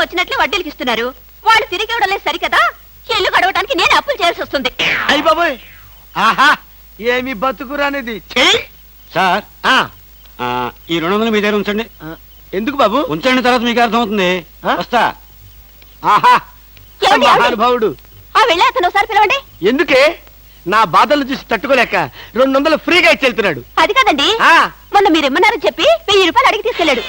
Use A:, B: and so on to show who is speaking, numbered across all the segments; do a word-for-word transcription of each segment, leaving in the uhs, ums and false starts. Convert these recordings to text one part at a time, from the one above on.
A: వచ్చినట్లే వడ్డీలకి ఇస్తున్నారు. వాళ్ళు తిరిగి ఇవ్వడం లేదు సరికదా, ఇల్లు గడవడానికి నేను అప్పులు చేయాల్సి వస్తుంది.
B: అయ్యి బాబోయ్, ఆహా ఏమి బతుకురానిది.
C: సార్ ఈ రెండు వందలు మీ దగ్గర ఉంచండి.
B: ఎందుకు బాబు?
C: ఉంచండి, తర్వాత మీకు అర్థమవుతుంది. వస్తా. ఆహా
B: మహానుభావుడు.
A: ఆ వెళ్ళే అతను ఒకసారి పిలవండి.
B: ఎందుకే? నా బాధలు చూసి తట్టుకోలేక రెండు వందలు ఫ్రీగా ఇచ్చి వెళ్తున్నాడు.
A: అది కాదండి, మొన్న మీరు ఇమ్మన్నారని చెప్పి వెయ్యి రూపాయలు అడిగి తీసుకెళ్ళాడు.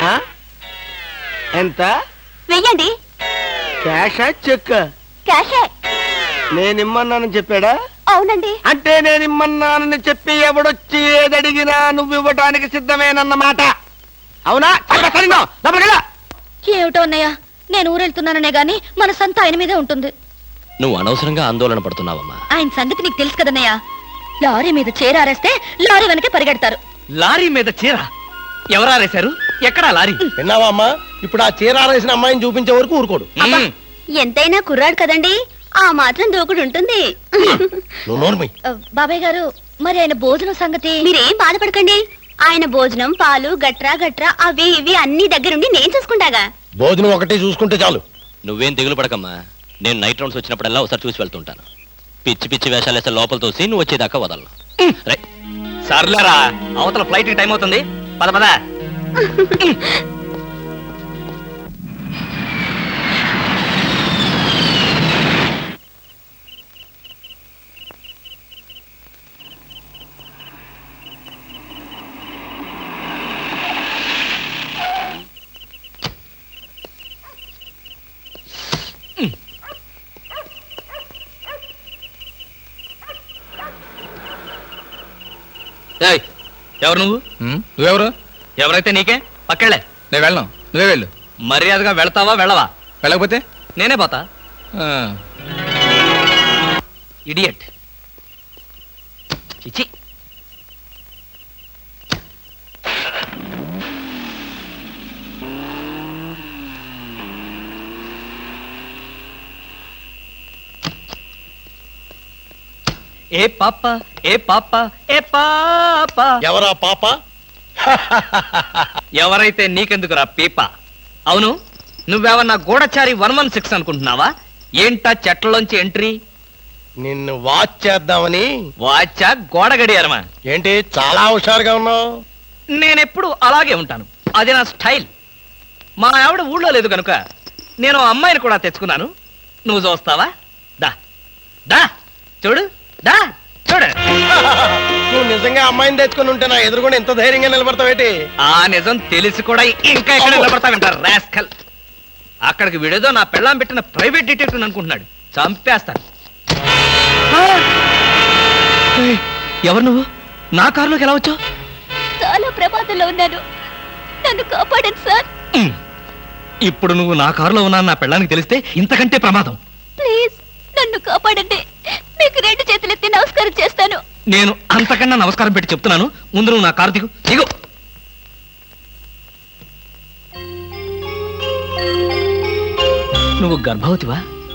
B: ఎంత?
A: వెయ్యండి.
B: క్యాషా చెక్?
A: క్యాషే.
B: నేనిమ్మన్నానని చెప్పాడా?
A: అవునండి.
B: అంటే నేనిమ్మన్నానని చెప్పి ఎవడొచ్చి ఏదడిగినా నువ్వు ఇవ్వటానికి సిద్ధమేనన్నమాట. అవునా?
A: ఏమిటో అన్నయ్య, నేను ఊరెళ్తున్నాననే గాని మనసంతా ఆయన మీదే ఉంటుంది.
D: నువ్వు అనవసరంగా ఆందోళన పడుతున్నావమ్మా.
A: ఆయన సంగతి నీకు తెలుసు కదన్నయ్య. లారీ మీద చీర ఆరేస్తే లారీ వెనకే పరిగెడతారు.
E: లారీ మీద చీర ఎవరారేశారు? ఎక్కడా లారీ?
B: విన్నావా అమ్మా? ఇప్పుడు ఆ చీర ఆరేసిన అమ్మాయిని చూపించే వరకు ఊరుకోడు.
A: ఎంతైనా కుర్రాడు కదండి, ఆ మాత్రం దూకుడు ఉంటుంది. బాబాయ్ గారు, మరి ఆయన భోజనం సంగతి? మీరేం బాధపడకండి, ఆయన భోజనం పాలు గట్రా గట్రా అవి ఇవి అన్ని దగ్గరుండి నేను చూసుకుంటాగా.
B: భోజనం ఒకటే చూసుకుంటే చాలు.
D: నువ్వేం దిగులు పడకమ్మా. నేను నైట్ రౌండ్స్ వచ్చినప్పుడల్లా ఒకసారి చూసి వెళ్తుంటాను. పిచ్చి పిచ్చి వేషాలు వేస్తే లోపల తోసి నువ్వు వచ్చేదాకా వదలను.
E: సర్లేరా, అవతల ఫ్లైట్ టైం అవుతుంది. పద పద. ఎవరు నువ్వు?
F: నువ్వెవరు?
E: ఎవరైతే నీకే, పక్కెళ్ళే.
F: నేను వెళ్ళను, నువ్వే వెళ్ళు.
E: మర్యాదగా వెళ్తావా వెళ్ళవా?
F: వెళ్ళకపోతే
E: నేనే పోతా. ఇడియట్. చిచి. ఏ పాప ఏ పాప ఏ పాప.
B: ఎవరా పాప?
E: ఎవరైతే నీకెందుకురా పీప. అవును, నువ్వేమన్నా గూఢచారి వన్ వన్ సిక్స్ అనుకుంటున్నావా? ఏంటా చెట్లలోంచి ఎంట్రీ?
B: నిన్ను వాచ్ చేద్దామని.
E: వాచా గోడ గడియారమా?
B: ఏంటి చాలా హుషారుగా ఉన్నావు?
E: నేనెప్పుడు అలాగే ఉంటాను, అది నా స్టైల్. మా ఆవిడ ఊళ్ళో లేదు కనుక నేను అమ్మాయిని కూడా తెచ్చుకున్నాను. నువ్వు చూస్తావా? దా దా చూడు, దా చూడు.
B: నువ్వు నిజంగా అమ్మాయిని తెచ్చుకుని ఉంటే నా ఎదురుకుండా ఎంత ధైర్యంగా నిలబడతావేటి?
E: ఆ నిజం తెలిసి కూడా ఇంకా ఎక్కడ నిలబడతావంటారు రాస్కల్. అక్కడికి విడేదో నా పెళ్ళాం పెట్టిన ప్రైవేట్ డిటెక్టివ్ అనుకుంటున్నాడు. చంపేస్తాను. ఎవరు నువ్వు? నా కారులోకి ఎలా వచ్చావు?
A: చాలా ప్రమాదంలో ఉన్నాను, నన్ను కాపాడండి సార్.
E: ఇప్పుడు నువ్వు నా కారులో ఉన్నా నా పెళ్ళానికి తెలిస్తే ఇంతకంటే ప్రమాదం.
A: ప్లీజ్ నన్ను కాపాడండి, మీకు రెండు చేతులు ఎత్తి నమస్కారం చేస్తాను.
E: నేను అంతకన్నా నమస్కారం పెట్టి చెప్తున్నాను, ముందు నువ్వు నా కారు దిగు. దిగు. నువ్వు గర్భవతివా?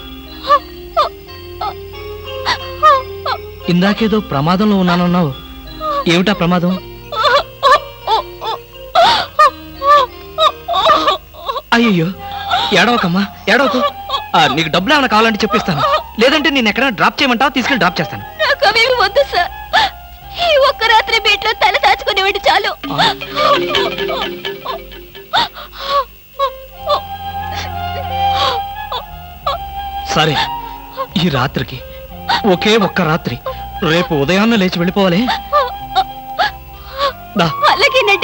E: ఇందాకేదో ప్రమాదంలో ఉన్నానన్నావు, ఏమిటా ప్రమాదం? అయ్యో, ఏడవకమ్మా ఏడవకు. నీకు డబ్బులు ఏమైనా కావాలంటే చెప్పిస్తాను, లేదంటే నేను ఎక్కడైనా డ్రాప్ చేయమంటావా? తీసుకెళ్ళి డ్రాప్ చేస్తాను.
A: నాకు అవేమి వద్దు సార్, ఈ ఒక్క రాత్రి బీట్లో తల దాచుకునేవాడి చాలు.
E: సరే, ఈ రాత్రికి ఒకే ఒక్క రాత్రి, రేపు ఉదయాన్నే లేచి వెళ్ళిపోవాలి.
A: అలాగే